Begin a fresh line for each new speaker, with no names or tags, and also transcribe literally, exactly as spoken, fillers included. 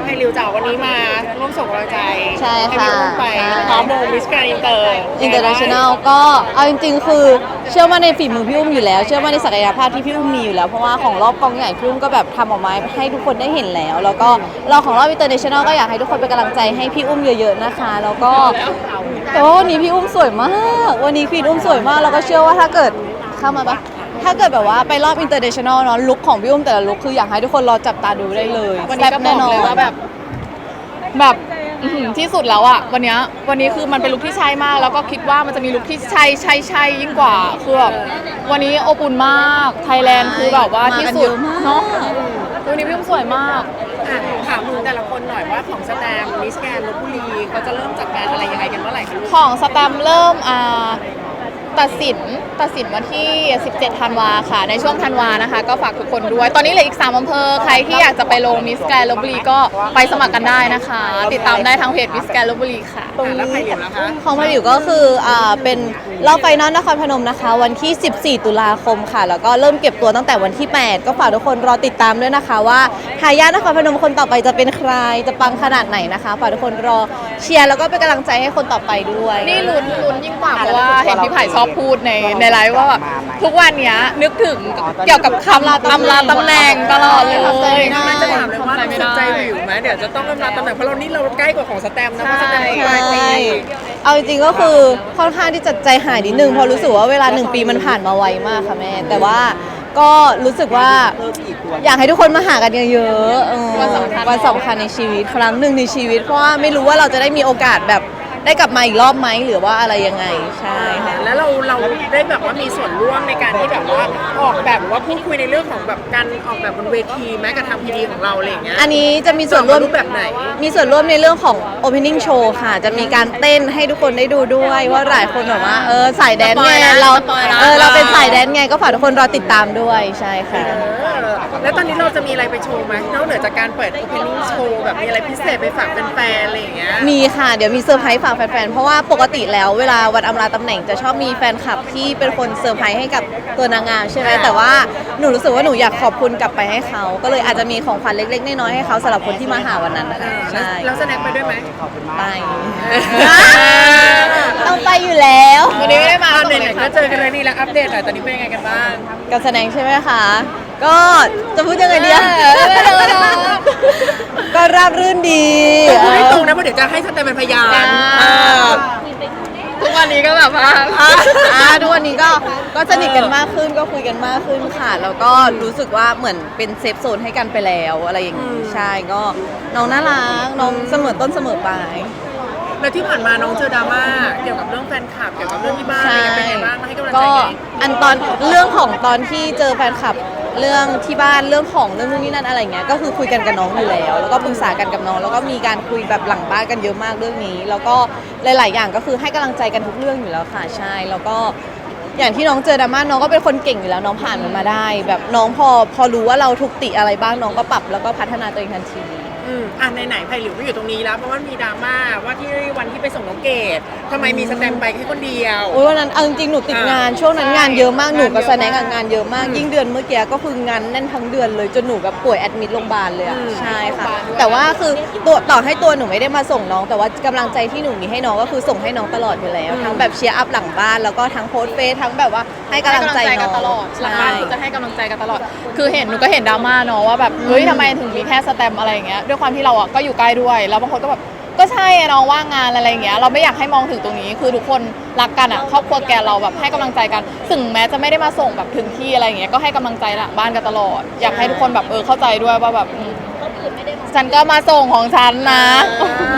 ให้ริวจากวันนี้มาร่วมส่งกำลังใจ
ใช่ค่ะ
ให้พี่อุ้มไปพร้อมโมมิสแกรนด์อินเตอร์
อินเตอร์เนชั่นแนลก็เอาจริงๆคือเชื่อมั่นในฝีมือพี่อุ้มอยู่แล้วเชื่อมั่นในศักยภาพที่พี่อุ้มมีอยู่แล้วเพราะว่าของรอบกองใหญ่พี่อุ้มก็แบบทำออกมาให้ทุกคนได้เห็นแล้วแล้วก็รอบของรอบอินเตอร์เนชั่นแนลก็อยากให้ทุกคนเป็นกำลังใจให้พี่อุ้มเยอะๆนะคะแล้วก็แต่ว่าวันนี้พี่อุ้มสวยมากวันนี้พี่อุ้มสวยมากแล้วก็เชื่อว่าถ้าเกิดเข้ามาปะถ้าเกิดแบบว่าไปรอบอินเตอร์เนชั่นแนลเนาะลุคของพี่อุ้มแต่ละลุคคืออยากให้ทุกคนรอจับตาดูได้เลย
วันนี้ก็บอกเลยว่าแบบแบบอื้อหือที่สุดแล้วอะวันเนี้ยวันนี้คือมันเป็นลุคที่ใช่มากแล้วก็คิดว่ามันจะมีลุคที่ใช่ใช่ใช่ยิ่งกว่าคือแบบวันนี้อบอุ่นมากไทยแลนด์คือแบบว่าที่สุดเนาะวันนี้พี่อุ้มสวยมาก
อ่ะถามมึงแต่ละคนหน่อยว่าของสแตมมิสแกรนด์ลพบุรีเขาจะเริ่มจัดการอะไรยังไงกันเมื่อไหร่คะลูก
ของสแตมป์เริ่มอ่าตัดสินตัดสินวันที่ สิบเจ็ด ธันวาค่ะในช่วงธันวานะคะก็ฝากทุกคนด้วยตอนนี้เหลืออีกสามอำเภอใครที่อยากจะไปลงมิสแกรนด์ลพบุรีก็ไปสมัครกันได้นะคะ ติดตามได้ทางเพจมิสแกรนด์ลพบุรีค่ะ
อ่ะแล้วใครเหลียวนะคะ
ของพาริวก็คืออ่าเป็นรอบไฟนอลนครพนมนะคะ วันที่ สิบสี่ ตุลาคมค่ะ แล้วก็เริ่มเก็บตัวตั้งแต่วันที่ แปด ก็ฝากทุกคนรอติดตามด้วยนะคะว่าทายาทนครพนมคนต่อไปจะเป็นใครจะปังขนาดไหนนะคะฝากทุกคนรอเชียร์แล้วก็เป็นกำลังใจให้คนต่อไปด้วย
นี่ลุ้นลุ้นยิ่งกว่าเพราะว่าเห็นพี่ไผ่ชอบพูดในในไลฟ์ว่าแบบทุกวันเนี้ยนึกถึงเกี่ยวกับคำลาตำลาตำแหน่งตลอดเลย
ไม่จะถามเลยว่าเราสนใจวิวไหมเดี๋ยวจะต้องกำลังตำแหน่งเพราะเรานี่เราใกล้กว่าของสแตมนะเพราะสแตมปลายปี
เอาจริงๆก็คือค่อนข้างที่จะใจหายนิดนึงเพราะรู้สึกว่าเวลาหนึ่งปีมันผ่านมาไวมากค่ะแม่แต่ว่าก็รู้สึกว่าอยากให้ทุกคนมาหากันเยอะๆเออ
วันสำคัญ
วันสำคัญในชีวิตครั้งหนึ่งในชีวิตเพราะว่าไม่รู้ว่าเราจะได้มีโอกาสแบบได้กลับมาอีกรอบไหมหรือว่าอะไรยังไงใช่ค่ะ
แล้วเราเราได้แบบว่ามีส่วนร่วมในการที่แบบว่าออกแบบหรือว่าพูดคุยในเรื่องของแบบการออกแบบบนเวทีแม้กระทั่งพีดีของเราอะไรอย่างเงี้ย
อันนี้จะมีส่วนร่วม
รูปแบบไหน
มีส่วนร่วมในเรื่องของ opening show ค่ะ จะมีการเต้นให้ทุกคนได้ดูด้วยว่าหลายคนแบบว่าเออสายแดนซ์ไงเรา
สปอยล์นะ
เออเราเป็นสายแดนซ์ไงก็ฝากทุกคนรอติดตามด้วยใช่ค่ะ
เออแล้วตอนนี้เราจะมีอะไรไปโชว์ไหมนอกเหนือจากการเปิด opening show แบบมีอะไรพิเศษไปฝากแฟนๆอะไรอย่างเงี้ย
มีค่ะ เดี๋ยวมีเซอร์ไพรส์ฝากแฟนๆ เพราะว่าปกติแล้วเวลาวันอำลาตำแหน่งจะชอบมีแฟนคลับที่เป็นคนเซอร์ไพรส์ให้กับตัวนางงามใช่ไหมแต่ว่าหนูรู้สึกว่าหนูอยากขอบคุณกลับไปให้เขา ก็เลยอาจจะมีของขวัญเล็กๆน้อยๆให้เขาสำหรับคนที่มาหาวันนั้นค่ะใช่
แล้วแสดงไปด้วยไหม
ไปต้องไปอยู่แล้ว
วันนี้ไม่ได้มา
ตอนไหนๆก็เจอกันเลยนี่แล้วอัปเดตหน่อยตอนนี้เป็นยังไงกันบ้าง
การแสดงใช่ไหมคะ ก็จะพูดยังไงดีอะก็ราบรื่นดี
พูดให้ตรงนะเพราะเดี๋ยวจะให้สแตมเป็นพยาน
อ่า ทุกวันนี้ก็แบบว่า
อ่าทุกวันนี้ก็ก็สนิทกันมากขึ้นก็คุยกันมากขึ้นค่ะแล้วก็รู้สึกว่าเหมือนเป็นเซฟโซนให้กันไปแล้วอะไรอย่างนี้ใช่ก็น้องน่ารักน้องเสมอต้นเสมอปลาย
แล้วที่ผ่านมาน้องเจอดราม่าเกี่ยวกับเรื่องแฟนคลับเกี่ยวกับเรื่องที่บ้านอะไรกันเป็นไงบ้างมาให้กำลังใจ
ก็
ไง
อันตอนเรื่องของตอนที่เจอแฟนคลับเรื่องที่บ้านเรื่องของเรื่องนู่นนี่นั่นอะไรเงี้ยก็คือคุยกันกับน้องอยู่แล้ว แล้วก็ปรึกษากันกับน้องแล้วก็มีการคุยแบบหลังบ้านกันเยอะมากเรื่องนี้ แล้วก็หลาย ๆ อย่างก็คือให้กำลังใจกันทุกเรื่องอยู่แล้วค่ะใช่แล้วก็อย่างที่น้องเจอดราม่าน้องก็เป็นคนเก่งอยู่แล้วน้องผ่านมันมาได้ แบบน้องพอพอรู้ว่าเราถูกติอะไรบ้างน้องก็ปรับแล้วก็พัฒนาตัวเองทันที
อืมอ่ะไหนๆไผ่หลิวก็อยู่ตรงนี้แล้วเพราะว่ามีดราม่าว่าที่วันที่ไปส่งน้องเกดทำไมมีสแตมป์ไปแค่คนเดียว
โอ้ยวันนั้นเอาจริงๆหนูติดงานช่วงนั้นงานเยอะมากหนูกับแสดงกับงานเยอะมาก ยิ่งเดือนเมื่อกี้ก็คืองานแน่นทั้งเดือนเลยจนหนูแบบป่วยแอดมิดโรงพยาบาลเลยอะใช่ค่ะแต่ว่าคือตัวต่อให้ตัวหนูไม่ได้มาส่งน้อง แต่ว่ากำลังใจที่หนูมีให้น้องก็คือส่งให้น้องตลอดอยู่แล้ว ทั้งแบบเชียร์อัพหลังบ้านแล้วก็ทั้งโพสต์เฟซทั้งแบบว่าให้กำลังใจน้
กั
อน ง
ตลอดหลัง
ใช่
บ้านคือจะให้กำลังใจกันตลอด คือเห็นหนูก็เห็นดราม่าเนาะว่าแบบเฮ้ยทำไมถึงมีแค่สแตมป์อะไรอย่างเงี้ยด้วยความที่เราอ่ะก็อยู่ใกล้ด้วยแล้วบางคนก็แบบก็ใช่อะน้องว่างงานอะไรอย่างเงี้ยเราไม่อยากให้มองถึงตรงนี้คือทุกคนรักกันอ่ะครอบครัวแกเราแบบให้กำลังใจกันถึงแม้จะไม่ได้มาส่งแบบถึงที่อะไรอย่างเงี้ยก็ให้กำลังใจหลังบ้านกันตลอด อยากให้ทุกคนแบบเออเข้าใจด้วยว่าแบบอืมฉันก็มาส่งของฉันนะ
เออ